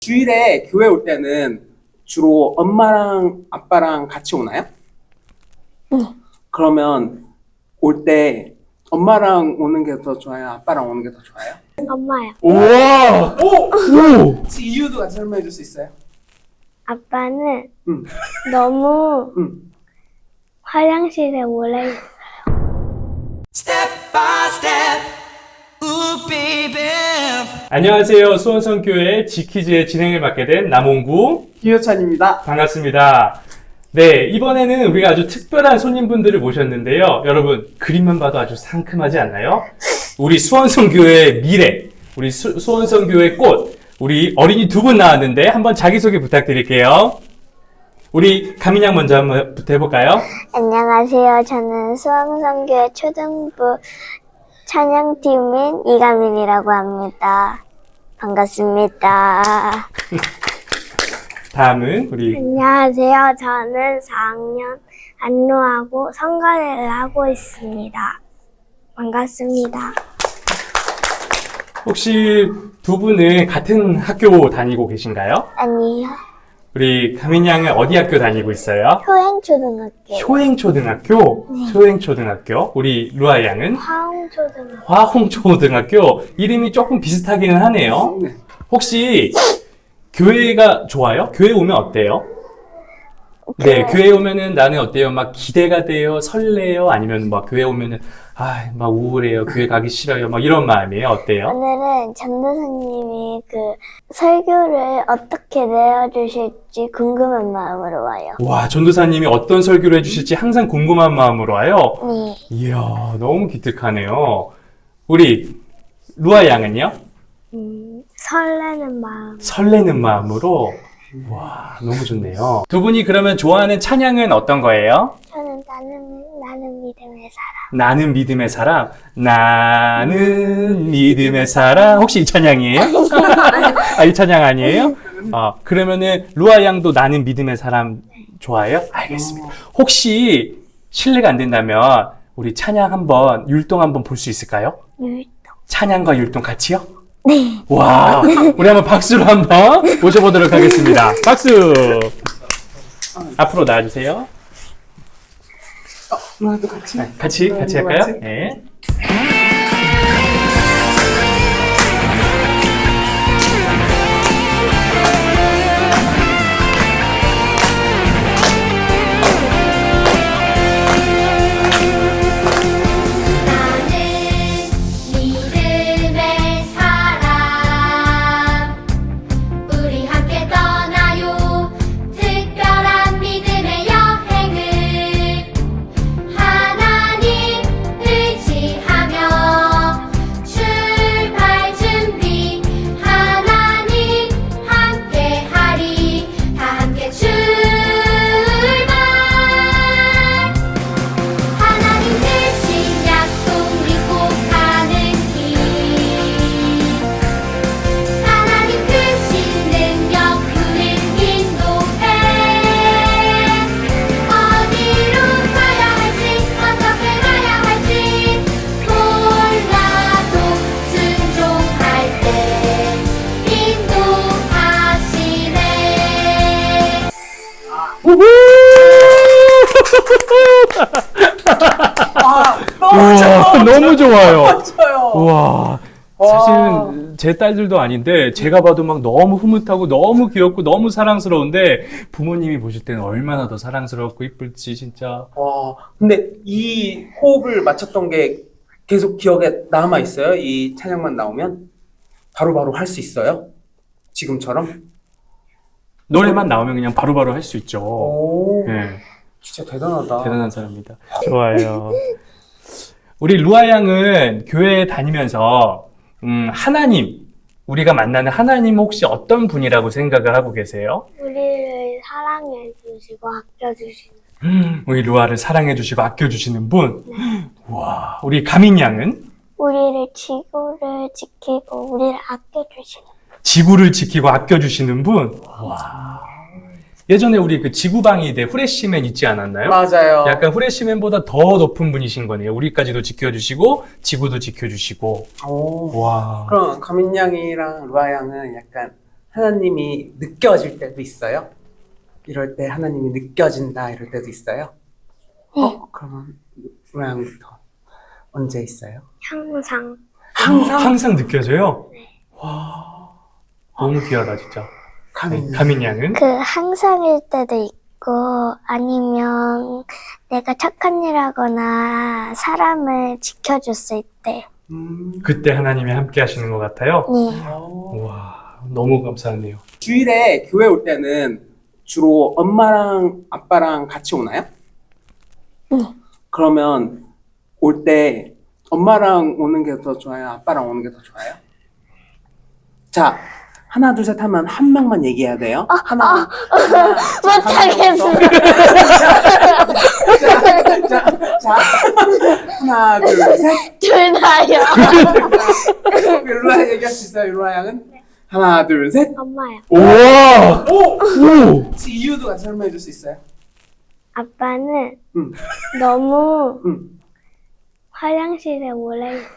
주일에 교회 올 때는 주로 엄마랑 아빠랑 같이 오나요? 그러면 올 때 엄마랑 오는 게 더 좋아요? 아빠랑 오는 게 더 좋아요? 엄마요. 우와! 오! 혹시 이유도 같이 설명해 줄 수 있어요? 아빠는 응. 너무 응. 화장실에 오래 안녕하세요. 수원성교회 지키즈의 진행을 맡게 된 남홍구 김효찬입니다. 반갑습니다. 네, 이번에는 우리가 아주 특별한 손님분들을 모셨는데요. 여러분, 그림만 봐도 아주 상큼하지 않나요? 우리 수원성교회의 미래, 우리 수원성교회 꽃, 우리 어린이 두 분 나왔는데 한번 자기소개 부탁드릴게요. 우리 가민양 먼저 한번 해볼까요? 안녕하세요. 저는 수원성교회 초등부 찬양팀인 이가민이라고 합니다. 반갑습니다. 다음은 우리 안녕하세요. 저는 4학년 안루하고 성가대를 하고 있습니다. 반갑습니다. 혹시 두 분은 같은 학교 다니고 계신가요? 아니요. 우리 가민 양은 어디 학교 다니고 있어요? 효행초등학교. 효행초등학교? 효행초등학교. 우리 루아 양은 화홍초등학교. 화홍초등학교. 이름이 조금 비슷하기는 하네요. 네. 혹시 교회가 좋아요? 교회 오면 어때요? 네, 교회 오면은 나는 어때요? 막 기대가 돼요? 설레요? 아니면 막 교회 오면은 막 우울해요? 교회 가기 싫어요? 막 이런 마음이에요? 어때요? 오늘은 전도사님이 그 설교를 어떻게 내어주실지 궁금한 마음으로 와요. 와, 전도사님이 어떤 설교를 해주실지 항상 궁금한 마음으로 와요. 네. 이야, 너무 기특하네요. 우리 루아 양은요? 설레는 마음. 설레는 마음으로. 와, 너무 좋네요. 두 분이 그러면 좋아하는 찬양은 어떤 거예요? 저는 나는 믿음의 사람. 나는 믿음의 사람. 나는 믿음의 사람. 혹시 이 찬양이에요? 이 찬양 아니에요? 그러면은 루아 양도 나는 믿음의 사람 좋아해요? 알겠습니다. 혹시 실례가 안 된다면 우리 찬양 한번 율동 한번 볼 수 있을까요? 율동. 찬양과 율동 같이요? 네. 와, 우리 한번 박수로 한번 모셔보도록 하겠습니다. 박수! 앞으로 나와주세요. 누나도 같이? 네, 같이 할까요? 네. 너무 좋아요. 맞아요. 우와. 사실은 제 딸들도 아닌데 제가 봐도 막 너무 흐뭇하고 너무 귀엽고 너무 사랑스러운데 부모님이 보실 때는 얼마나 더 사랑스럽고 이쁠지 진짜. 근데 이 호흡을 맞췄던 게 계속 기억에 남아 있어요? 이 찬양만 나오면 바로바로 할 수 있어요? 지금처럼? 노래만 나오면 그냥 바로바로 할 수 있죠. 오, 네, 진짜 대단하다. 대단한 사람입니다. 좋아요. 우리 루아 양은 교회에 다니면서 하나님, 우리가 만나는 하나님 혹시 어떤 분이라고 생각을 하고 계세요? 우리를 사랑해 주시고 아껴 주시는. 우리 루아를 사랑해 주시고 아껴 주시는 분. 와, 우리 가민 양은 우리를 지구를 지키고 우리를 아껴 주시는. 지구를 지키고 아껴 주시는 분. 와. 예전에 우리 그 지구방위대 후레쉬맨 있지 않았나요? 맞아요. 약간 후레쉬맨보다 더 높은 분이신 거네요. 우리까지도 지켜주시고 지구도 지켜주시고. 오. 와. 그럼 가민 양이랑 루아 양은 약간 하나님이 느껴질 때도 있어요? 이럴 때 하나님이 느껴진다 이럴 때도 있어요? 그러면 로아양부터 언제 있어요? 항상. 항상? 항상 느껴져요? 와, 너무 귀하다, 진짜. 가민 양은? 그 항상일 때도 있고 아니면 내가 착한 일 하거나 사람을 지켜줬을 때. 그때 하나님이 함께 하시는 것 같아요? 네. 와, 너무 감사하네요. 주일에 교회 올 때는 주로 엄마랑 아빠랑 같이 오나요? 그러면 올 때 엄마랑 오는 게 더 좋아요? 아빠랑 오는 게 더 좋아요? 자, 하나, 둘, 셋 하면 한 명만 얘기해야 돼요. 하나, 못하겠어. 자, 하나, 둘, 셋. 둘 다요. 율로아 얘기할 수 있어요, 율로아 양은? 하나, 둘, 셋. 엄마요. 우와! 오! 오! 혹시 이유도 같이 설명해 줄 수 있어요? 아빠는 응. 너무 응. 화장실에 오래 있어요.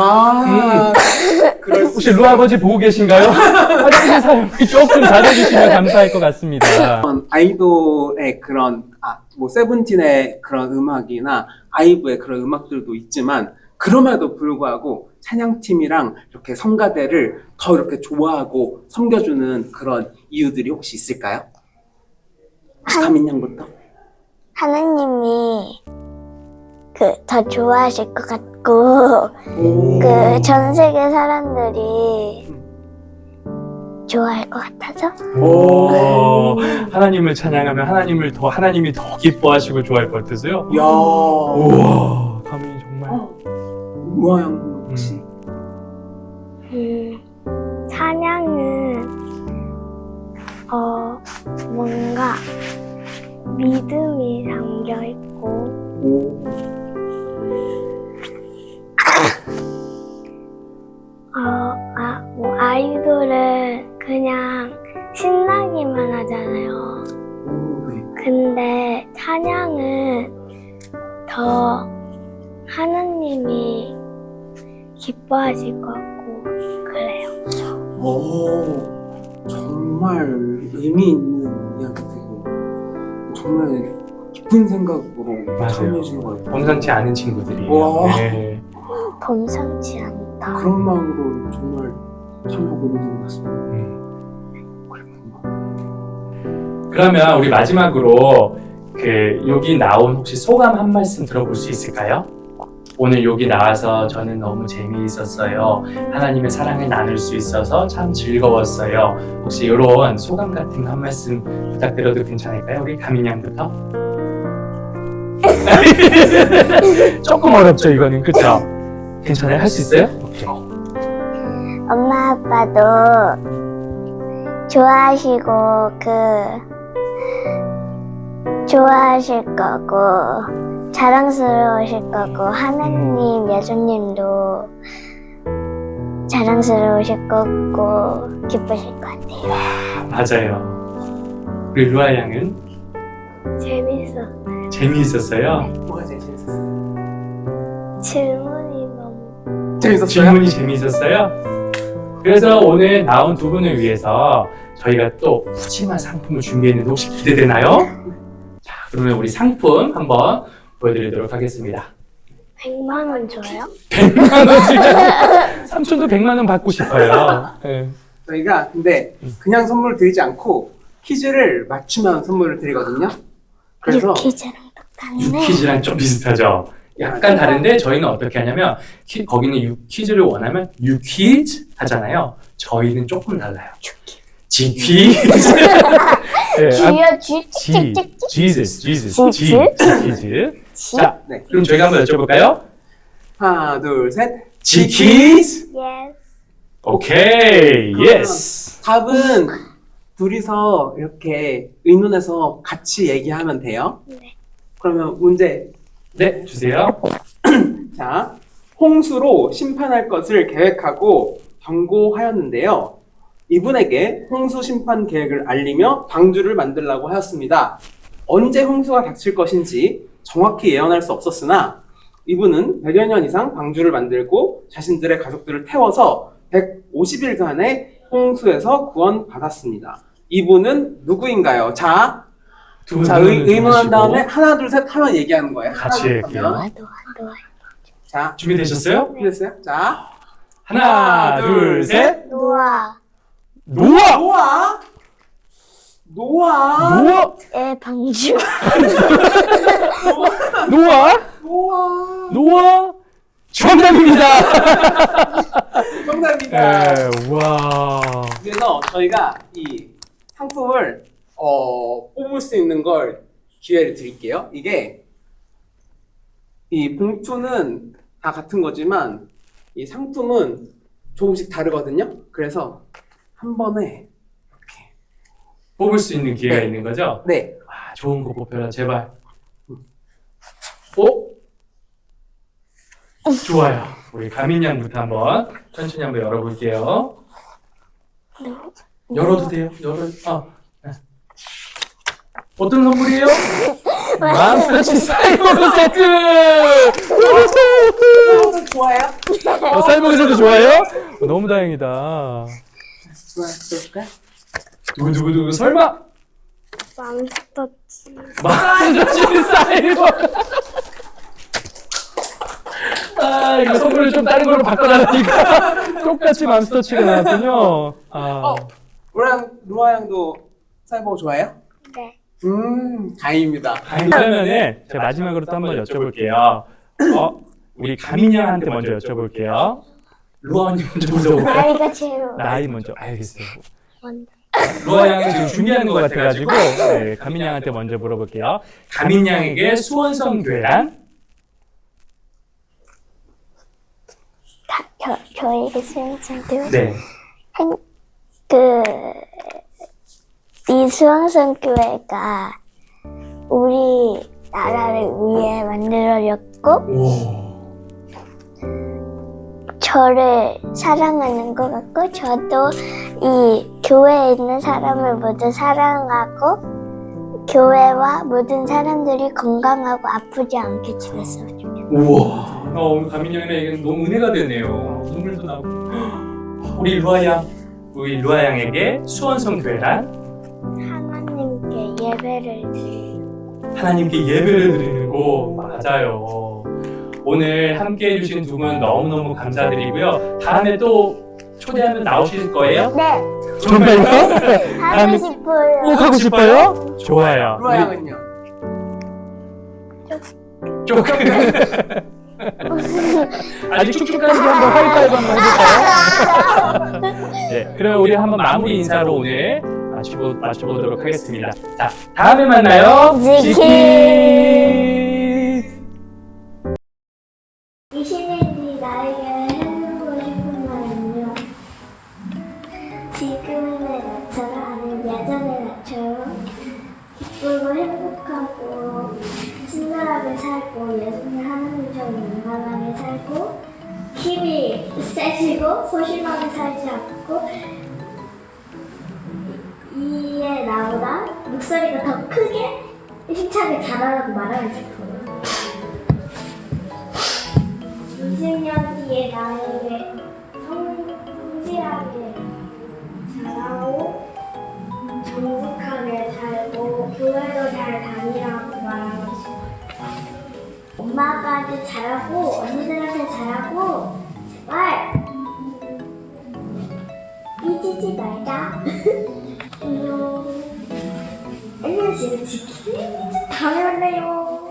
그럴 수 혹시 루아 아버지 보고 계신가요? 화장실 사용이 조금 잘해주시면 감사할 것 같습니다. 아이돌의 그런 뭐 세븐틴의 그런 음악이나 아이브의 그런 음악들도 있지만 그럼에도 불구하고 찬양팀이랑 이렇게 성가대를 더 이렇게 좋아하고 섬겨주는 그런 이유들이 혹시 있을까요? 혹시 가민 양부터? 하나님이 더 좋아하실 것 같고 오. 전 세계 사람들이 좋아할 것 같아서. 오, 하나님을 찬양하면 하나님이 더 기뻐하시고 좋아할 것 같으세요? 야. 우와, 가민이 정말. 우아 양 혹시? 찬양은 뭔가 믿음이 담겨 있고 오. 뭐 아이돌은 그냥 신나기만 하잖아요. 네. 근데 찬양은 더 하나님이 기뻐하실 것 같고 그래요. 오, 정말 의미 있는 이야기들이 정말 깊은 생각으로 맞아요. 참여해 주는 것 같아요. 범상치 않은 친구들이에요. 와. 네. 범상치 않다. 그런 마음으로 정말 참여하고 있는 것 같습니다. 그러면 우리 마지막으로 여기 나온 혹시 소감 한 말씀 들어볼 수 있을까요? 오늘 여기 나와서 저는 너무 재미있었어요. 하나님의 사랑을 나눌 수 있어서 참 즐거웠어요. 혹시 이런 소감 같은 거 한 말씀 부탁드려도 괜찮을까요? 우리 가민 양부터. 조금 어렵죠, 이거는. 그쵸? 괜찮아요? 할 수 있어요? 오케이. 엄마 아빠도 좋아하시고 좋아하실 거고 자랑스러우실 거고 하나님 예수님도 자랑스러우실 거고 기쁘실 것 같아요. 맞아요. 우리 루아 양은 재밌었어요. 재미있었어요. 뭐가 제일 재밌었어요? 질문이 너무 재밌었어요? 질문이 재미있었어요. 그래서 오늘 나온 두 분을 위해서 저희가 또 푸짐한 상품을 준비했는데 혹시 기대되나요? 자, 그러면 우리 상품 한번 보여드리도록 하겠습니다. 100만 원 줘요? 100만 원 지금 삼촌도 100만 원 받고 싶어요. 네. 저희가 근데 그냥 선물을 드리지 않고 퀴즈를 맞추면 선물을 드리거든요. 그래서 유퀴즈랑 똑같네. 퀴즈랑 좀 비슷하죠. 약간 다른데 저희는 어떻게 하냐면 거기는 퀴즈를 원하면 유퀴즈 하잖아요. 저희는 조금 달라요. 지퀴즈. 네, 쥐요 쥐 Jesus, 지즈? 퀴즈. 자, 네. 그럼 저희가 한번 여쭤볼까요? 하나, 둘, 셋. 지퀴즈. Yes. 오케이, 예스. 답은 둘이서 이렇게 의논해서 같이 얘기하면 돼요. 네. 그러면 문제. 네, 주세요. 자, 홍수로 심판할 것을 계획하고 경고하였는데요. 이분에게 홍수 심판 계획을 알리며 방주를 만들라고 하였습니다. 언제 홍수가 닥칠 것인지 정확히 예언할 수 없었으나 이분은 100여 년 이상 방주를 만들고 자신들의 가족들을 태워서 150일간의 홍수에서 구원받았습니다. 이분은 누구인가요? 자, 두 자 분은 의문한 주무시고 다음에 하나 둘 셋 하면 얘기하는 거예요. 같이 하나, 할게요. 하면. 노아. 자, 준비되셨어요? 준비됐어요? 자, 하나, 둘, 셋. 노아. 노아! 노아, 노아, 노아! 의 방주. 노아! 노아. 노아! 정답입니다! 정답입니다. 네, 와. 그래서 저희가 이 상품을 뽑을 수 있는 걸 기회를 드릴게요. 이게 이 봉투는 다 같은 거지만 이 상품은 조금씩 다르거든요. 그래서 한 번에 이렇게 뽑을 수 있는 기회가 네. 있는 거죠? 네, 아, 좋은 거 뽑혀라, 제발. 오? 좋아요. 우리 가민 양부터 한번 천천히 한번 열어볼게요. 열어도 돼요? 네. 어떤 선물이에요? 맘스터치 사이버그 세트! 좋아요? 사이버그 세트 좋아해요? 너무 다행이다. 좋아요. 두구두구두구 설마? 맘스터치. 맘스터치 사이버그! 아, 이거 선물을 좀 다른 걸로 바꿔달라니까. 똑같이 맘스터치가 나왔군요. 아. 루아 양도 사이버 좋아해요? 네. 다행입니다. 그러면은 제가 마지막으로 또 한번 여쭤볼게요. 우리 가민 양한테 먼저 여쭤볼게요. 루아 언니 먼저 물어볼까요? 나이가 제일 나이 먼저. 알겠어요. 먼저. 루아 양이 지금 준비하는 것 같아가지고 네, 가민 양한테 먼저 물어볼게요. 가민 양에게 수원성 교회란? 저에게 수영선교. 네. 이 수영선 교회가 우리 나라를 위해 만들어졌고 오. 저를 사랑하는 것 같고 저도 이 교회에 있는 사람을 모두 사랑하고 교회와 모든 사람들이 건강하고 아프지 않게 지냈으면 좋겠어요. 우와. 오늘 가민 양에게 너무 은혜가 되네요. 눈물도 나고. 우리 루아 양에게 수원성 교회란? 하나님께 예배를 드리고 하나님께 예배를 드리는 곳. 맞아요. 오늘 함께 해주신 두 분 너무너무 감사드리고요. 다음에 또 초대하면 나오실 거예요? 네, 정말요? 하고 싶어요. 꼭 하고 싶어요? 좋아요. 루아 양은요? 조금. 아직 쭉쭉까지 한번 하이파이브 한번 해볼까요? 네, 그럼 우리 한번 마무리 인사로 오늘 마쳐보도록 하겠습니다. 자, 다음에 만나요. 지키. 이 시민이 나에게 해주고 싶은 말은요. 지금의 나처럼 아니면 예전의 나처럼 기쁘고 행복하고 친절하게 살고 예수님 하나님처럼 용감하게 살고 힘이 세지고 소심하게 살지 않고 이에 나보다 목소리가 더 크게 힘차게 자라라고 말하고 싶어요. 20년 뒤에 나에게 성실하게 자라고 정직하게 살고 교회도 잘 다니라고 말하고 싶어요. 엄마 아빠한테 잘하고 언니들한테 잘하고 제발 삐지지 말자. 안녕. 안녕 지금 지키는 다음에 만나요.